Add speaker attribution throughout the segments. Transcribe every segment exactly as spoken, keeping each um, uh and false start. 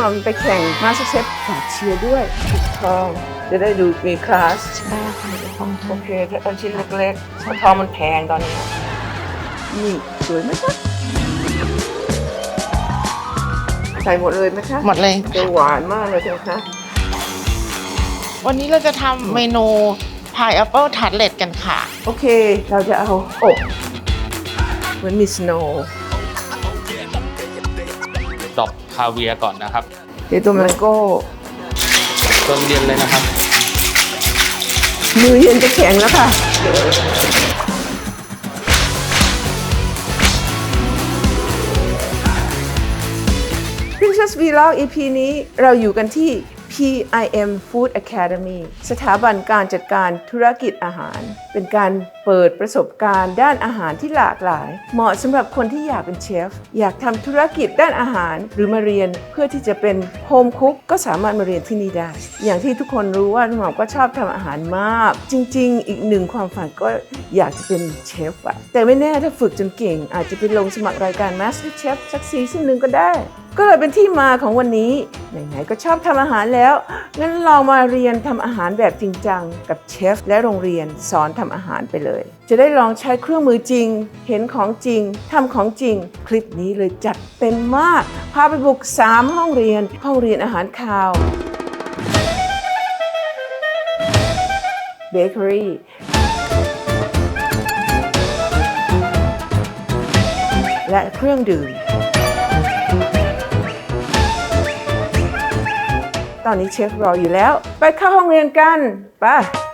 Speaker 1: เราไปแข่งมาสเตอร์เชฟฝากเชียร์ด้วยทองจะได้ดูมีคลาส
Speaker 2: ใช่ค่ะทอง
Speaker 1: โอเคถ้าเอาชิ้นเล็กๆเพราะทองมันแพงตอนนี้นี่สวยไหมคะใส่หมดเลยไหมคะ
Speaker 2: หมดเลย
Speaker 1: จะหวานมากเลยใช่ไหมคะ
Speaker 2: วันนี้เราจะทำเมนูพายแอปเปิลทัดเลตกันค่ะ
Speaker 1: โอเคเราจะเอาอบเหมือนมีสโนว์
Speaker 3: ดอกคาเวียร์ก่อนนะครับ
Speaker 1: เดี๋ยวตัวแมงโก้
Speaker 3: จนเย็นเลยนะครับ
Speaker 1: มือเย็นจะแข็งแล้วค่ะPrincess Vlog อี พี นี้เราอยู่กันที่ พี ไอ เอ็ม Food Academy สถาบันการจัดการธุรกิจอาหาร เป็นการเปิดประสบการณ์ด้านอาหารที่หลากหลาย เหมาะสำหรับคนที่อยากเป็นเชฟ อยากทำธุรกิจด้านอาหารหรือมาเรียนเพื่อที่จะเป็นโฮมคุกก็สามารถมาเรียนที่นี่ได้ อย่างที่ทุกคนรู้ว่าหม่อมก็ชอบทำอาหารมาก จริงๆ อีกหนึ่งความฝันก็อยากจะเป็นเชฟอะแต่ไม่แน่ถ้าฝึกจนเก่งอาจจะไปลงสมัครรายการ Master Chef สักซีซั่นหนึ่งก็ได้ก็เลยเป็นที่มาของวันนี้ไหนๆก็ชอบทำอาหารแล้วงั้นลองมาเรียนทำอาหารแบบจริงจังกับเชฟและโรงเรียนสอนทำอาหารไปเลยจะได้ลองใช้เครื่องมือจริงเห็นของจริงทำของจริงคลิปนี้เลยจัดเต็มมากพาไปบุกสามห้องเรียนห้องเรียนอาหารคาวเบเกอรี่และเครื่องดื่มตอนนี้เชฟรออยู่แล้วไปเข้าห้องเรียนกันไป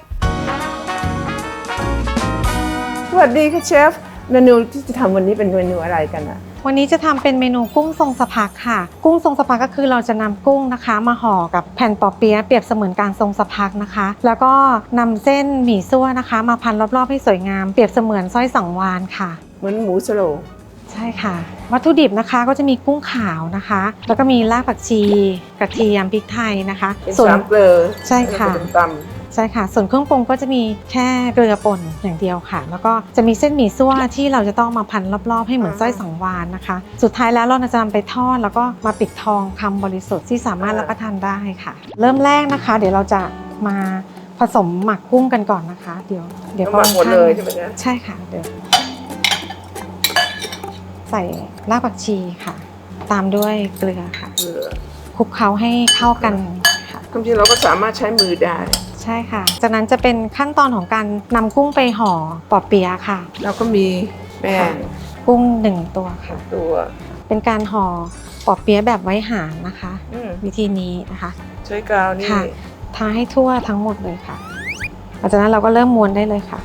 Speaker 1: สวัสดีค่ะเชฟเมนูที่จะทำวันนี้เป็นเมนูอะไรกันอะ
Speaker 4: วันนี้จะทำเป็นเมนูกุ้งทรงสะพักค่ะกุ้งทรงสะพักก็คือเราจะนำกุ้งนะคะมาห่อกับแผ่นปอเปี๊ยะเปรียบเสมือนการทรงสะพักนะคะแล้วก็นำเส้นหมี่ซั่วนะคะมาพันรอบๆให้สวยงามเปรียบเสมือนสร้อยสังวาลค่ะ
Speaker 1: เหมือนหมูสโลง
Speaker 4: ใช่ค่ะวัตถุดิบนะคะก็จะมีกุ้งขาวนะคะแล้วก็มีรากผักชีกระเทียมพริกไทยนะคะ
Speaker 1: ส่วนเกลือ
Speaker 4: ใช่ค่ะ
Speaker 1: ต
Speaker 4: ใช่ค่ะส่วนเครื่องปรุงก็จะมีแค่เกลือป่นอย่างเดียวค่ะแล้วก็จะมีเส้นหมี่ซั่วที่เราจะต้องมาพันรอบๆให้เหมือนสร้อยสังวาลนะคะสุดท้ายแล้วเราจะนำไปทอดแล้วก็มาปิดทองคำบริสุทธิ์ที่สามารถรับประทานได้ค่ะเริ่มแรกนะคะเดี๋ยวเราจะมาผสมหมักกุ้งกันก่อนนะคะเดี๋ยวเดี๋ยว
Speaker 1: หมักหมดเลยใช่ไหมจ๊ะ
Speaker 4: ใช่ค่ะเดี๋ยวใส่รากผักชีค่ะตามด้วยเกลือค่ะ
Speaker 1: เกลือ
Speaker 4: คลุกเคล้าให้เข้ากันค่ะ
Speaker 1: จริงๆเราก็สามารถใช้มือได้
Speaker 4: ใช่ค่ะจากนั้นจะเป็นขั้นตอนของการนำกุ้งไปห่อปอเปี๊ยะค่ะ
Speaker 1: แล้วก็มีแป้ง
Speaker 4: กุ้งหนึ่งตัวค่ะ
Speaker 1: ตัว
Speaker 4: เป็นการห่อปอเปี๊ยะแบบไว้หางนะคะวิธีนี้นะคะ
Speaker 1: ใช้กาวนี่
Speaker 4: ทาให้ทั่วทั้งหมดเลยค่ะหลังจากนั้นเราก็เริ่มม้วนได้เลยค่ะ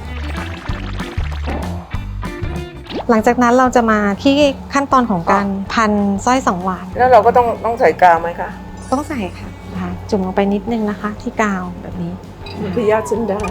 Speaker 4: หลังจากนั้นเราจะมาที่ขั้นตอนของการพันสร้อยสังวาล
Speaker 1: แล้วเราก็ต้องต้องใส่กาวไหมคะ
Speaker 4: ต้องใส่ค่ะจุ่มลงไปนิดนึงนะคะที่กาวแบบนี้
Speaker 1: มันพยาธิเส้นได้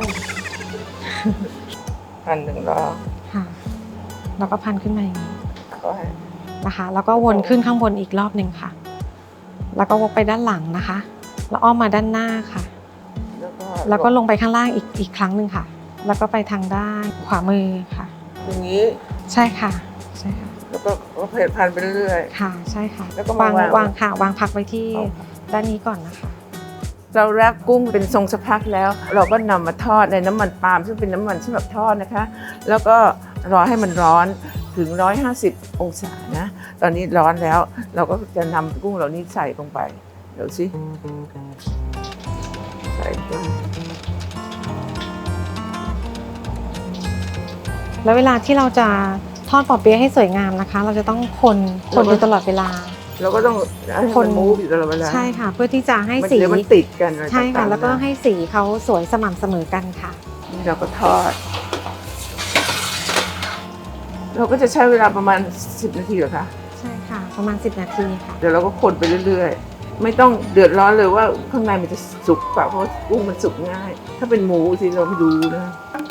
Speaker 1: พันหนึ่งรอบ
Speaker 4: ค่ะแล้วก็พันขึ้นมาอย่างนี้นะคะแล้วก็วนขึ้นข้างบนอีกรอบหนึ่งค่ะแล้วก็วกไปด้านหลังนะคะแล้วอ้อมมาด้านหน้าค่ะแล้วก็ลงไปข้างล่างอีกอีกครั้งหนึ่งค่ะแล้วก็ไปทางด้านขวามือค่ะ
Speaker 1: อย่างนี้
Speaker 4: ใช่ค่ะใช่ค่ะ
Speaker 1: แล้วก็เพลิดพันไปเรื่อย
Speaker 4: ๆค่ะใช่ค่ะ
Speaker 1: แล้วก็
Speaker 4: วางวางค่ะวางพักไว้ที่ด้านนี้ก่อนนะคะ
Speaker 1: เราแรปกุ้งเป็นทรงสะพักแล้วเราก็นำมาทอดในน้ำมันปาล์มซึ่งเป็นน้ำมันสำหรับทอดนะคะแล้วก็รอให้มันร้อนถึงหนึ่งร้อยห้าสิบองศานะตอนนี้ร้อนแล้วเราก็จะนำกุ้งเหล่านี้ใส่ลงไปเดี๋ยวสิใส่ไป
Speaker 4: แล้วเวลาที่เราจะทอดปอเปี๊ยะให้สวยงามนะคะเราจะต้องคนคนอยู่ตลอดเวลา
Speaker 1: เราก็ต้องคนมูฟอยู่ตลอดเวลา
Speaker 4: ใช่ค่ะเพื่อที่จะให้สี
Speaker 1: มันติดกัน
Speaker 4: ใช่ค่ะแล้วก็ให้สีเขาสวยสม่ำเสมอกันค่ะ
Speaker 1: นี่เราก็ทอดเราก็จะใช้เวลาประมาณสิบนาทีเหรอคะ
Speaker 4: ใช่ค่ะประมาณสิบนาทีค่ะ
Speaker 1: เดี๋ยวเราก็คนไปเรื่อยๆไม่ต้องเดือดร้อนเลยว่าข้างในมันจะสุกเปล่าเพราะกุ้งมันสุกง่ายถ้าเป็นหมูสิเราไม่ดูนะ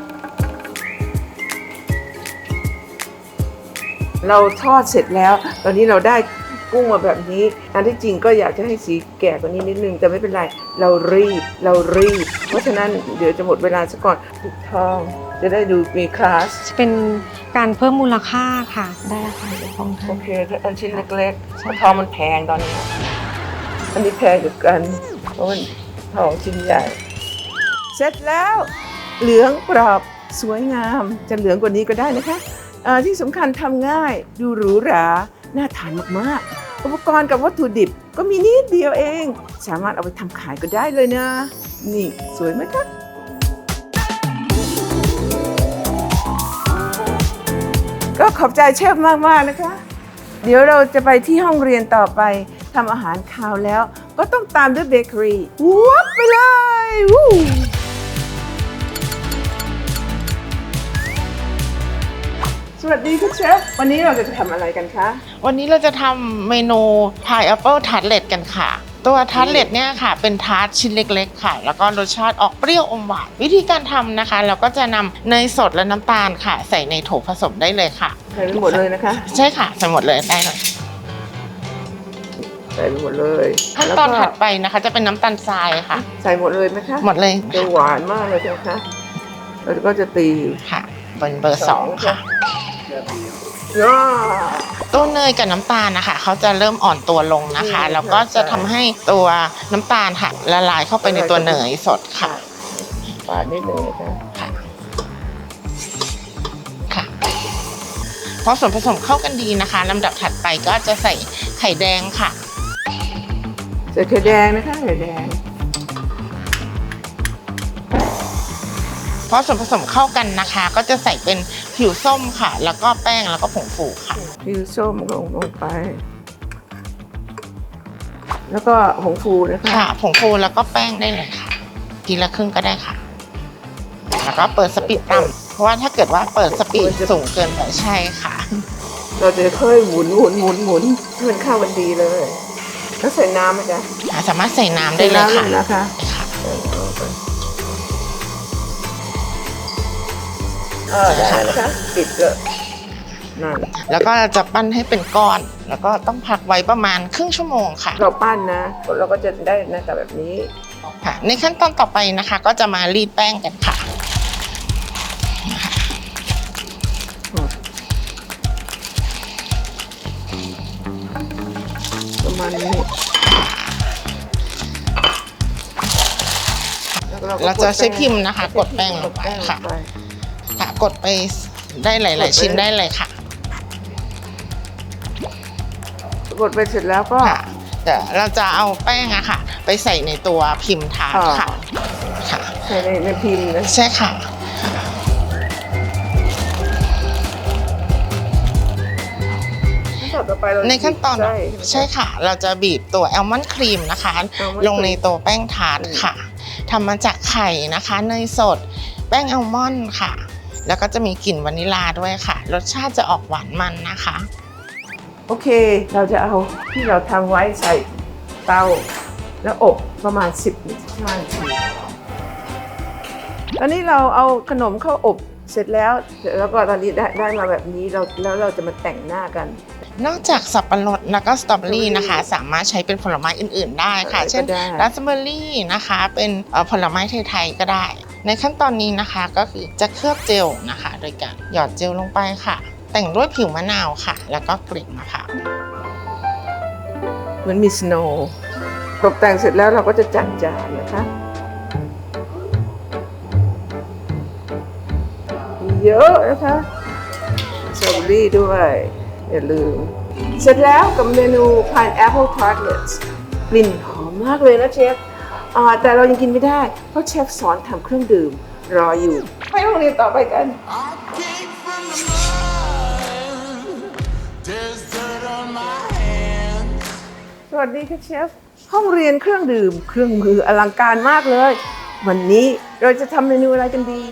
Speaker 1: เราทอดเสร็จแล้วตอนนี้เราได้กุ้งมาแบบนี้อันที่จริงก็อยากจะให้สีแก่กว่านี้นิดนึงแต่ไม่เป็นไรเรารีบเรารีบเพราะฉะนั้นเดี๋ยวจะหมดเวลาซะก่อนปิดทองจะได้ดูมีคลาส
Speaker 4: เป็นการเพิ่มมูลค่าค่ะได้ค่ะเดี๋ยวทอง
Speaker 1: โอเคถ้าอันชิ้นเล็กๆเพราะทองมันแพงตอนนี้อันนี้แพงกว่ากันเพราะมันทองชิ้นใหญ่ เสร็จแล้วเหลืองกรอบสวยงามจะเหลืองกว่านี้ก็ได้นะคะเอ่อที่สำคัญทำง่ายดูหรูหราน่าทานมากๆอุปกรณ์กับวัตถุดิบก็มีนิดเดียวเอง สามารถเอาไปทำขายก็ได้เลยนะนี่สวยไหมคะก็ขอบใจเชฟมากๆนะคะ เดี๋ยวเราจะไปที่ห้องเรียนต่อไปทำอาหารคาวแล้ว ก็ต้องตามด้วยเบเกอรี่วับไปเลยวู้สวัสดีคุณเชฟวันนี้เราจะทำอะไรกันคะ
Speaker 2: วันนี้เราจะทำเมนู Pineapple Tartlet กันค่ะ ตัวทาร์ตเล็ตเนี่ยค่ะเป็นทาร์ตชิ้นเล็กๆค่ะแล้วก็รสชาติออกเปรี้ยวอมหวานวิธีการทำนะคะเราก็จะนำเนยสดและน้ำตาลค่ะ ใส่ในโถผสมได้เลยค่ะ
Speaker 1: ใส่ไปหมดเลยนะคะ
Speaker 2: ใช่ค่ะใส่หมดเลยได้เลย
Speaker 1: ใส่ไปหมดเลย
Speaker 2: ขั้นตอนถัดไปนะคะจะเป็นน้ำตาลทรายค่ะ
Speaker 1: ใส่หมดเลยไหมคะ
Speaker 2: หมดเลย
Speaker 1: จะหวานมากเลยนะคะแล้วก็จะตี
Speaker 2: ค่ะเป็นเบอร์สองค่ะ
Speaker 1: ว้า
Speaker 2: ตัวเนยกับน้ำตาลนะคะเขาจะเริ่มอ่อนตัวลงนะคะ แล้วก็จะทำให้ตัวน้ำตาลค่ะละลายเข้าไปในตัวเนยสดค่ะ
Speaker 1: ปาดนิดนึงนะคะ
Speaker 2: ค่ะค่ะพอส่วนผสมเข้ากันดีนะคะลำดับถัดไปก็จะใส่ไข่แดงค่ะ
Speaker 1: ใส่ไข่แดงนะคะไข่แดง
Speaker 2: พอส่วนผสมเข้ากันนะคะ ก็จะใส่เป็นผิวส้มค่ะ แล้วก็แป้งแล้วก็ผงฟูค่ะ
Speaker 1: ผิวส้มลงลงไป แล้วก็ผงฟูนะคะ
Speaker 2: ค่ะผงฟูแล้วก็แป้งได้เลยค่ะทีละครึ่งก็ได้ค่ะ แล้วก็เปิดสปีดต่ำเพราะว่าถ้าเกิดว่าเปิดสปีดสูงเกินไปใช่ค่ะ
Speaker 1: เราจะค่อยหมุนหมุนหมุนหมุนให้มันเข้ากันดีเลย แล้วใส่น้ำไหมจ๊ะ
Speaker 2: สามารถใส่น้ำได้เลยค่ะ
Speaker 1: ใส่น้ำนะคะ
Speaker 2: ค่ะ
Speaker 1: เออได้นะคะปิดเลยนั่น
Speaker 2: แล้วก็จะปั้นให้เป็นก้อน แล้วก็ต้องพักไว้ประมาณครึ่งชั่วโมงค่ะ
Speaker 1: เราปั้นนะเราก็จะได้หน้าตาแบบนี้
Speaker 2: ค่ะในขั้นตอนต่อไปนะคะ ก็จะมารีดแป้งกันค่ะ
Speaker 1: ประมาณนี้แล้วก็
Speaker 2: เราจะใช้พิมพ์นะคะ กดแป้งลงไปค่ะ ค่ะกดไปได้หลาย ๆ ชิ้นได้เลยค่ะ
Speaker 1: กดไปเสร็จแล้วก็
Speaker 2: ค่ะเดี๋ยวเราจะเอาแป้งอะค่ะ ไปใส่ในตัวพิมพ์ทาร์ตค่ะค่ะ
Speaker 1: ใส่ในในพิมพ์นะ
Speaker 2: ใช่ค่ะ
Speaker 1: ขั้นตอนต่อไปเรา
Speaker 2: ในขั้นตอน
Speaker 1: ใช่
Speaker 2: ใช่ค่ะ เราจะบีบตัวแอลมอนด์ครีมนะคะ
Speaker 1: almond
Speaker 2: ลงในตัวแป้งทาร์ตค่ะทำมาจากไข่นะคะเนยสดแป้งแอลมอนด์ค่ะ แล้วก็จะมีกลิ่นวานิลลาด้วยค่ะ รสชาติจะออกหวานมันนะคะ
Speaker 1: โอเค เราจะเอาที่เราทำไว้ใส่เตาแล้วอบประมาณสิบนาทีนาทีตอนนี้เราเอาขนมเข้าอบเสร็จแล้วแล้วก็ตอนนี้ได้ได้มาแบบนี้เราแล้วเราจะมาแต่งหน้ากัน
Speaker 2: นอกจากสับปะรดแล้วก็สตรอเบอรี่นะคะ สามารถใช้เป็นผลไม้อื่น ๆ ได้ค่ะ
Speaker 1: อะไรก็
Speaker 2: เช่น
Speaker 1: ได้
Speaker 2: ราสเบอร์รี่นะคะ เป็นเอ่อผลไม้ไทย ๆ ก็ได้ ในขั้นตอนนี้นะคะก็คือจะเคลือบเจลนะคะ โดยการหยอดเจลลงไปค่ะ แต่งด้วยผิวมะนาวค่ะ แล้วก็กลีบมะพร้าว
Speaker 1: เหมือนมีสโนว์ตกแต่งเสร็จแล้วเราก็จะจัดจานนะคะเยอะนะคะสตรอเบอรี่ด้วยอย่าลืมเสร็จแล้วกับเมนู Pineapple Tartlets กลิ่นหอมมากเลยนะเชฟอ่าแต่เรายังกินไม่ได้เพราะเชฟสอนทำเครื่องดื่มรออยู่ไปโรงเรียนต่อไปกัน สวัสดีค่ะเชฟห้องเรียนเครื่องดื่ม เครื่องมืออลังการมากเลย วันนี้เราจะทำเมนูอะไรกันดี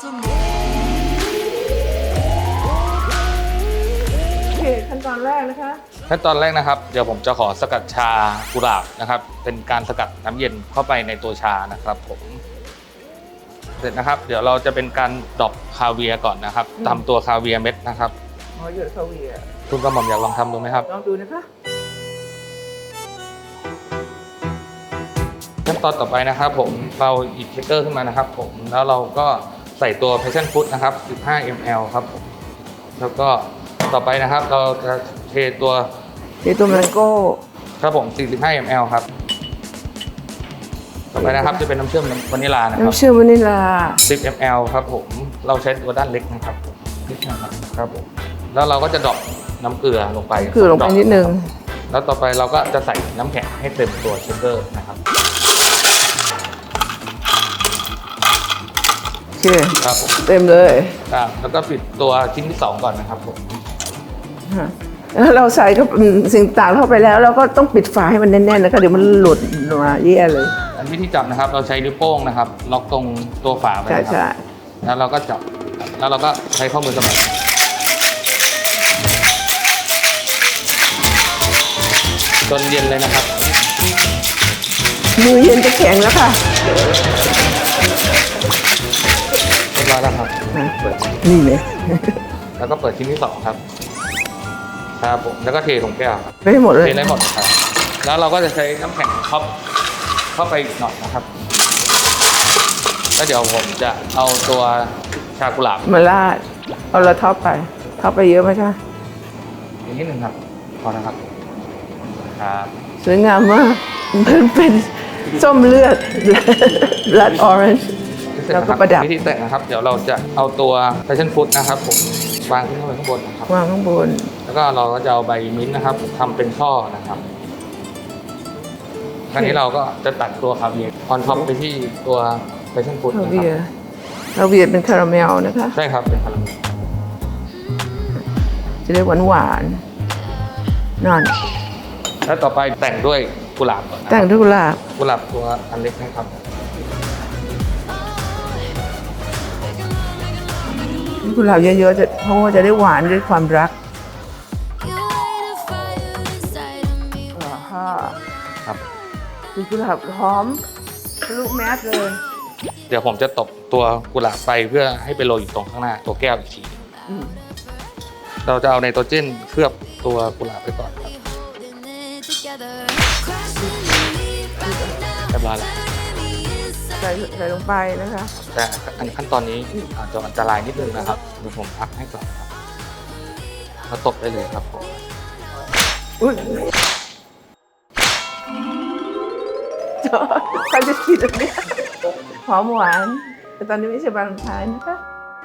Speaker 1: โอเคขั้นตอนแรกนะคะ
Speaker 3: ขั้นตอนแรกนะครับเดี๋ยวผมจะขอสกัดชากุหลาบนะครับ เป็นการสกัดน้ำเย็นเข้าไปในตัวชานะครับผมเสร็จนะครับ เดี๋ยวเราจะเป็นการดรอปคาเวียร์ก่อนนะครับทำตัวคาเวียร์เม็ดนะครับ
Speaker 1: หอหยดคาเวียร์
Speaker 3: คุณกระหม่อมอยากลองทำดูไหมครับ
Speaker 1: ลองดูนะคะ
Speaker 3: ขั้นตอนต่อไปนะครับผมเราหยิบเชคเกอร์ขึ้นมานะครับผมแล้วเราก็ใส่ตัว passion fruit นะครับ สิบห้ามิลลิลิตร ครับผมแล้วก็ต่อไปนะครับเราจะเทตัว
Speaker 1: เดี๋ยวตัวแมงโก้
Speaker 3: ครับผม สี่สิบห้ามิลลิลิตร ครับต่อไปนะครับจะเป็นน้ำเชื่อมวานิลลานะครับ
Speaker 1: น้ำเชื่อมวานิลลา
Speaker 3: สิบมิลลิลิตร ครับผมเราใช้ตัวด้านเล็กนะครับนิดนะครับครับผมแล้วเราก็จะดรอปน้ำเกลือลงไป
Speaker 1: คือลงไปนิดนึง
Speaker 3: แล้วต่อไปเราก็จะใส่น้ำแข็งให้เต็มตัวเชคเกอร์นะครับ
Speaker 1: โอเค
Speaker 3: ครับผม
Speaker 1: เต็มเลย
Speaker 3: ครับแล้วก็ปิดตัวชิ้นที่สองก่อนนะครับผม
Speaker 1: ฮะแล้วเราใส่เข้าสิ่งต่างเข้าไปแล้วเราก็ต้องปิดฝาให้มันแน่นๆนะคะเดี๋ยวมันหลุดมาแย่เลย
Speaker 3: อันวิธีจับนะครับเราใช้นิ้วโป้งนะครับล็อกตรงตัวฝาไป
Speaker 1: ใช่
Speaker 3: นะค
Speaker 1: ใช่
Speaker 3: รับแล้วเราก็จับแล้วเราก็ใช้ข้อมือสมัครจนเย็นเลยนะครับ
Speaker 1: มือเย็นจะแข็งแล้วค่ะ
Speaker 3: เรียบร้อยแล้วครับ
Speaker 1: นะนี่เลย
Speaker 3: แล้วก็เปิดชิ้นที่สองครับครับผมแล้วก็เทลงแก้วครับ
Speaker 1: ไปให้หมดเลย
Speaker 3: เทได้หมดครับแล้วเราก็จะใช้น้ำแข็งท็อปเข้าไปอีกหน่อยนะครับแล้วเดี๋ยวผมจะเอาตัวชากุหลาบ
Speaker 1: มาลาดเอาละท็อปไปท็อปไปเยอะไหมคะ
Speaker 3: อีกนิดหนึ่งครับพอนะครับครับ
Speaker 1: สวยงามมากมันเป็นส้มเลือด blood orange
Speaker 3: เสร็จ
Speaker 1: แล้ว
Speaker 3: นะค
Speaker 1: ก็
Speaker 3: รับ
Speaker 1: ประดับ
Speaker 3: วิธีแต่งนะครับ เดี๋ยวเราจะเอาตัว passion fruit นะครับผมวางขึ้นไปข้างบนนะครับ
Speaker 1: วางข้างบน
Speaker 3: แล้วก็เราก็จะเอาใบมิ้นท์นะครับทำเป็นช่อนะครับคราวนี้เราก็จะตัดตัวคาเวียร์ออนท็อปไปที่ตัว passion fruit
Speaker 1: คา
Speaker 3: นะค
Speaker 1: เวีย
Speaker 3: รับ
Speaker 1: ร์คาเวียร์เป็นคาราเมลนะคะ
Speaker 3: ใช่ครับเป็นคาราเมล
Speaker 1: จะได้หวานหวานๆนั่น
Speaker 3: แล้วต่อไปแต่งด้วยกุหลาบก่อนนะค
Speaker 1: แต่
Speaker 3: รั
Speaker 1: ง
Speaker 3: บ
Speaker 1: ด้วยกุหลาบ
Speaker 3: กุหลาบตัวอันเล็กนะครับ
Speaker 1: กุหลาบเยอะๆจะเพราะว่าจะได้หวานด้วยความรัก อ่าฮะ
Speaker 3: ครับ
Speaker 1: คือกุหลาบหอมทะลุแมสเลย
Speaker 3: เดี๋ยวผมจะตบตัวกุหลาบไปเพื่อให้ไปโรยอยู่ตรงข้างหน้าตัวแก้วอีกที
Speaker 1: อืม
Speaker 3: เราจะเอาไนโตรเจนเคลือบตัวกุหลาบไปก่อนครับเรียบร้อยแล้ว
Speaker 1: ใส่ใส่ลงไปนะคะ
Speaker 3: แต่อันขั้นตอนนี้อาจจะอันตรายนิดนึงนะครับเดี๋ยวผมพักให้ก่อนนะครับแล้วตบได้เลยครับผม
Speaker 1: อุ้ยจอใครจะคิดอันเนี้ยหอมหวาน แต่ตอนนี้ไม่ใช่วาเลนไทน์นะคะ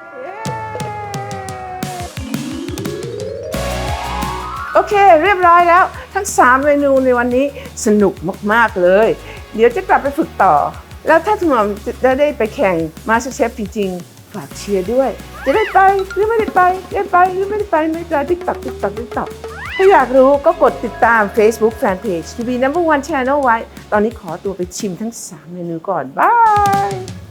Speaker 1: โอเคเรียบร้อยแล้ว ทั้งสามเมนูในวันนี้สนุกมากๆเลย เดี๋ยวจะกลับไปฝึกต่อ แล้วถ้าคุณหมอจะได้ไปแข่ง MasterChef จริงๆ ฝากเชียร์ด้วย จะได้ไปหรือไม่ได้ไปได้ไปหรือไม่ได้ไปในการ TikTok TikTok TikTok ถ้าอยากรู้ก็กดติดตาม Facebook Fanpage ที วี นัมเบอร์ วัน Channel ไว้ ตอนนี้ขอตัวไปชิมทั้งสามเมนูก่อน บาย